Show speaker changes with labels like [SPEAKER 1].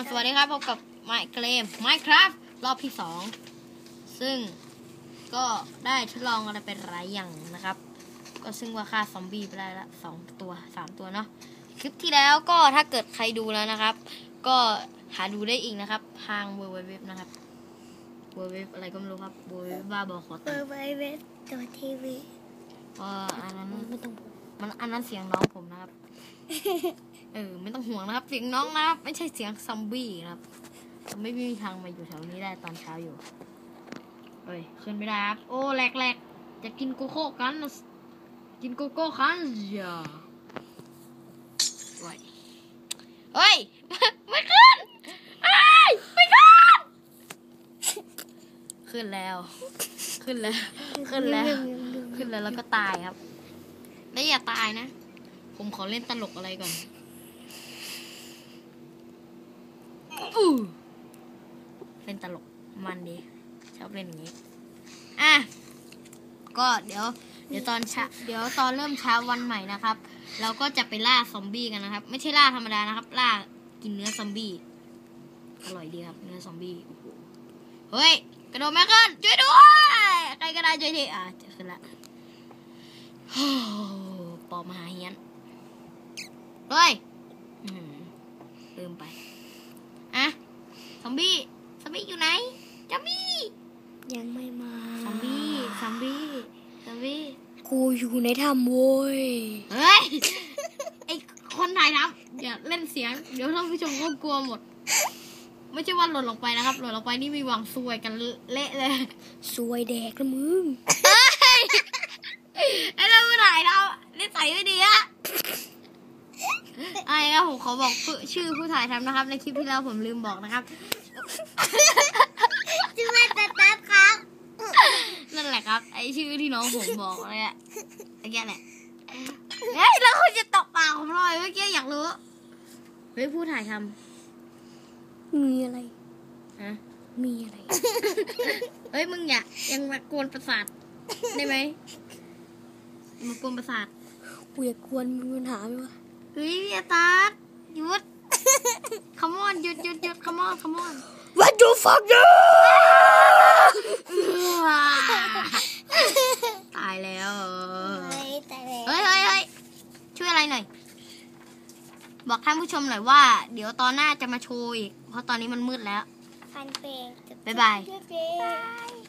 [SPEAKER 1] สวัสดีครับพบกับMinecraft รอบที่2ซึ่งก็ได้ทดลองอะไรเป็นหลายอย่างนะครับก็ซึ่งว่าฆ่าซอมบี้ไปได้ละ2 ตัว 3 ตัวเนาะคลิปที่แล้วก็ถ้าเกิดใครดูแล้วนะครับก็หาดูได้อีกนะครับทางwwwนะครับwwwอะไรก็ไม่รู้ครับwwwบ้าบอขอตังค์
[SPEAKER 2] www.tv
[SPEAKER 1] อันนั้นอันนั้นเสียงน้องผมนะครับไม่ต้องห่วงนะครับเสียงน้องนะครับไม่ใช่เสียงซอมบี้นะครับไม่มีทางมาอยู่แถวนี้ได้ตอนเช้าอยู่ขึ้นไม่ได้ครับโอ้แหลกจะกินโกโก้กันกินโกโก้กันอย่าเฮ้ยไม่ขึ้นไม่ขึ้นแล้วแล้วก็ตายครับแล้วอย่าตายนะผมขอเล่นตลกอะไรก่อนเล่นตลกมันดีชอบเล่นอย่างนี้ก็เดี๋ยวตอนเริ่มเช้าวันใหม่นะครับเราก็จะไปล่าซอมบี้กันนะครับไม่ใช่ล่าธรรมดานะครับล่ากินเนื้อซอมบี้อร่อยดีครับเนื้อซอมบี้เฮ้ยกระโดดไม่ขึ้นช่วยด้วยใครก็ได้ช่วยทีจะขึ้นละปอบมหาเฮียนเฮ้ยลืมไปซอมบี้อยู่ไหนซอมบี้
[SPEAKER 2] ยังไม่มา
[SPEAKER 1] ซอมบี้
[SPEAKER 2] กูอยู่ในถ้ำโว้ย
[SPEAKER 1] เฮ้ยไอคนถ่ายทำอย่าเล่นเสียงเดี๋ยวท่านผู้ชมก็กลัวหมดไม่ใช่ว่าหล่นลงไปนะครับหล่นลงไปนี่มีหวังซวยกันเละเลย
[SPEAKER 2] ซวยแดกละมึง
[SPEAKER 1] ไอ้เราผู้ถ่ายทำนิสัยไม่ดีอะครับผมขอบอกชื่อผู้ถ่ายทำนะครับในคลิปที่แล้วผมลืมบอกนะครับ
[SPEAKER 2] ชื่อว่าตัดครับ
[SPEAKER 1] นั่นแหละครับไอชื่อที่น้องผมบอกเลยอะไอ้แก่แหละแล้วคุณจะตบปากผมหน่อยเมื่อกี้อยากรู้เฮ้ยผู้ถ่ายท
[SPEAKER 2] ำมีอะไรมีอะไร
[SPEAKER 1] เฮ้ยมึงยังมากวนประสาทได้ไหมมากวนประสาท
[SPEAKER 2] กูอยากกวนมีปัญหาไหมวะ
[SPEAKER 1] เฮ้ยอย่าตัดหยุด come on หยุด come on
[SPEAKER 2] What the fuck
[SPEAKER 1] ตายแล้ว
[SPEAKER 2] เฮ้
[SPEAKER 1] ยช่วยอะไรหน่อยบอกท่านผู้ชมหน่อยว่าเดี๋ยวตอนหน้าจะมาโชว์อีกเพราะตอนนี้มันมืดแล้ว
[SPEAKER 2] ฟันเพลง
[SPEAKER 1] บ๊ายบาย